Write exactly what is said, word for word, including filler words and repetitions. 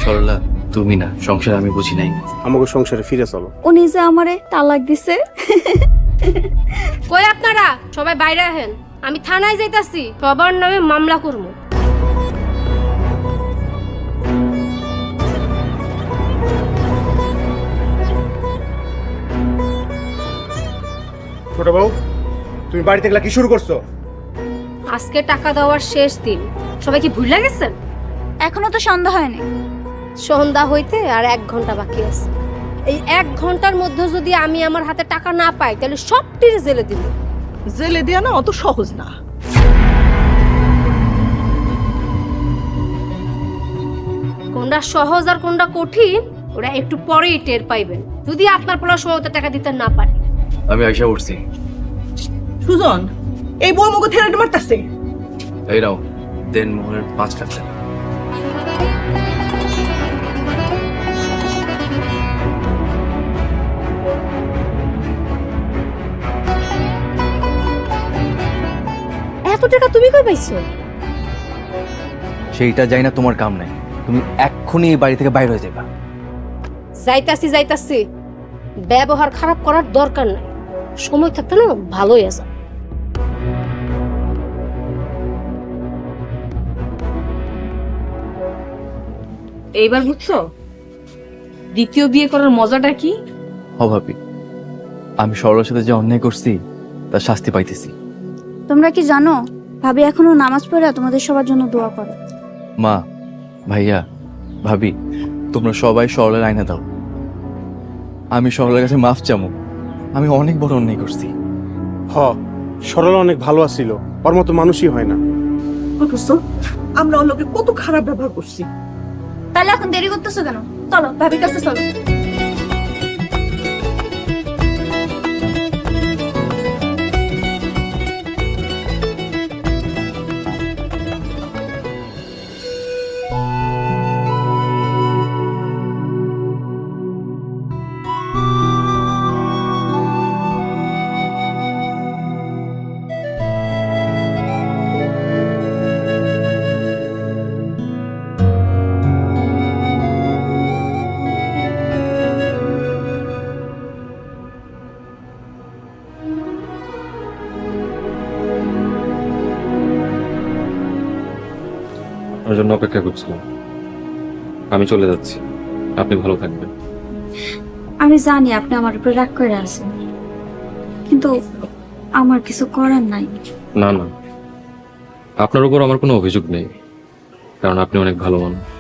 সরলা তুমি না, সংসার আমি বুঝি নাই। আমাকে সংসারে ফিরে চলো। উনি যে আমারে তালাক দিছে। কই আপনারা সবাই বাইরে আহেন, আমি থানায় যাইতাছি, সবার নামে মামলা করবো। ছোট বউ, তুমি বাড়িতে গেলা কি শুরু করছো? আজকে টাকা দেওয়ার শেষ দিন, সবাই কি ভুলে গেছেন? এখনো তো সন্ধ্যা হয়নি। সন্ধ্যা হইতে আর এক ঘন্টা বাকি আছে। এই এক ঘন্টার মধ্যে যদি আমি আমার হাতে টাকা না পাই তাহলে সবটির জেলে দিব। জেলে দেয়া না অত সহজ না। কোনটা সহজ আর কোনটা কঠিন ওরা একটু পরেই টের পাইবেন, যদি আপনার পড়ার সময় টাকা দিতে না পারে। আমি আইসা উঠছি। সুজন, এই বউ মুখ থেরাটি মারতাছে। এই নাও দেন মোহনের পাঁচ লাখ টাকা। এত টাকা তুমি কই পাইছো? সেইটা যাই না, তোমার কাম নাই। তুমি এক্ষুনি এই বাড়ি থেকে বাইরে হয়ে যাবা। যাইতাছি যাইতাছি, ব্যবহার খারাপ করার দরকার নাই। সময় থাকতে না ভালোই আছে। এইবার বুঝছো দ্বিতীয় বিয়ে করার মজাটা কি? অভাবী, আমি সরলার সাথে যে অন্যায় করছি তার শাস্তি পাইতেছি। তোমরা কি জানো ভাবি এখনো নামাজ পড়ে তোমাদের সবার জন্য দোয়া করে। মা, ভাইয়া, ভাবি, তোমরা সবাই সরলার আয়না দাও। আমি সরলার কাছে মাফ চামু। আমি অনেক বড় অন্যায় করছি। হ, সরলা অনেক ভালো আছিল, ওর মতো মানুষই হয় না। অথচ আমরা ওর লোকে কত খারাপ ব্যবহার করছি। তাহলে এখন দেরি করতেছো কেন? চলো ভাবির কাছে চলো। আপনার জন্য অপেক্ষা করছিলাম। আমি চলে যাচ্ছি, আপনি ভালো থাকবেন। আমি জানি আপনি আমার উপরে রাগ করে আছেন, কিন্তু আমার কিছু করার নাই। না না, আপনার উপর আমার কোনো অভিযোগ নেই, কারণ আপনি অনেক ভালো মানুষ।